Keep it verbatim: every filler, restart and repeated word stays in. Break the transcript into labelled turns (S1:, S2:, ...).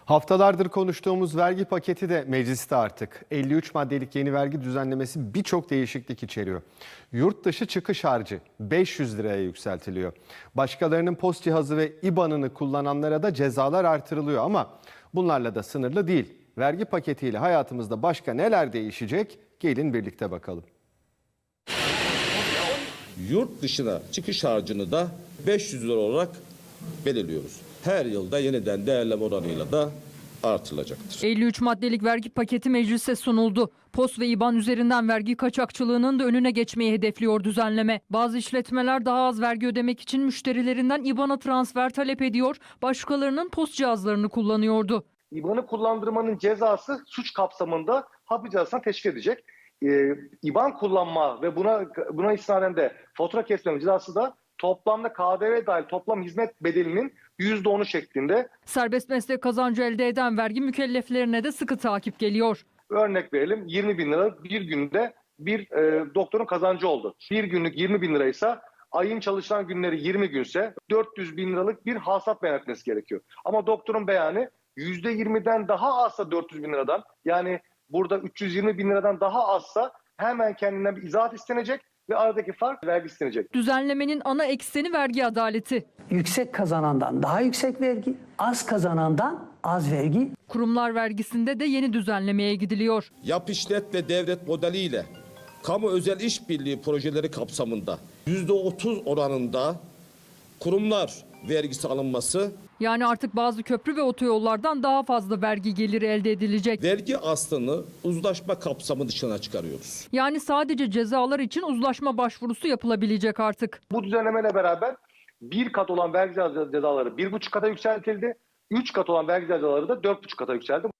S1: Haftalardır konuştuğumuz vergi paketi de mecliste artık. elli üç maddelik yeni vergi düzenlemesi birçok değişiklik içeriyor. Yurt dışı çıkış harcı beş yüz liraya yükseltiliyor. Başkalarının post cihazı ve İ B A N'ını kullananlara da cezalar artırılıyor ama bunlarla da sınırlı değil. Vergi paketiyle hayatımızda başka neler değişecek? Gelin birlikte bakalım.
S2: Yurt dışına çıkış harcını da beş yüz lira olarak belirliyoruz. Her yılda yeniden değerleme oranıyla da artılacaktır.
S3: elli üç maddelik vergi paketi meclise sunuldu. Post ve İ B A N üzerinden vergi kaçakçılığının da önüne geçmeyi hedefliyor düzenleme. Bazı işletmeler daha az vergi ödemek için müşterilerinden İ B A N''a transfer talep ediyor, başkalarının post cihazlarını kullanıyordu.
S4: İ B A N'ı kullandırmanın cezası suç kapsamında hapis cezasına teşvik edecek. Ee, İ B A N kullanma ve buna buna istinaden de fatura kesmeme cezası da toplamda K D V dahil toplam hizmet bedelinin yüzde onu şeklinde.
S3: Serbest meslek kazancı elde eden vergi mükelleflerine de sıkı takip geliyor.
S4: Örnek verelim, yirmi bin lira bir günde bir e, doktorun kazancı oldu. Bir günlük yirmi bin liraysa ayın çalışılan günleri yirmi günse dört yüz bin liralık bir hasat beyan etmesi gerekiyor. Ama doktorun beyanı yüzde yirmiden daha azsa dört yüz bin liradan, yani burada üç yüz yirmi bin liradan daha azsa hemen kendinden bir izahat istenecek ve aradaki fark vergi istenecek.
S3: Düzenlemenin ana ekseni vergi adaleti.
S5: Yüksek kazanandan daha yüksek vergi, az kazanandan az vergi.
S3: Kurumlar vergisinde de yeni düzenlemeye gidiliyor.
S2: Yap işlet ve devlet modeliyle kamu özel işbirliği projeleri kapsamında yüzde otuz oranında kurumlar vergisi alınması,
S3: Yani artık bazı köprü ve otoyollardan daha fazla vergi geliri elde edilecek.
S2: vergi aslını uzlaşma kapsamı dışına çıkarıyoruz.
S3: Yani sadece cezalar için uzlaşma başvurusu yapılabilecek artık.
S4: Bu düzenlemeyle beraber bir kat olan vergi cezaları bir buçuk kata yükseltildi. Üç kat olan vergi cezaları da dört buçuk kata yükseldi.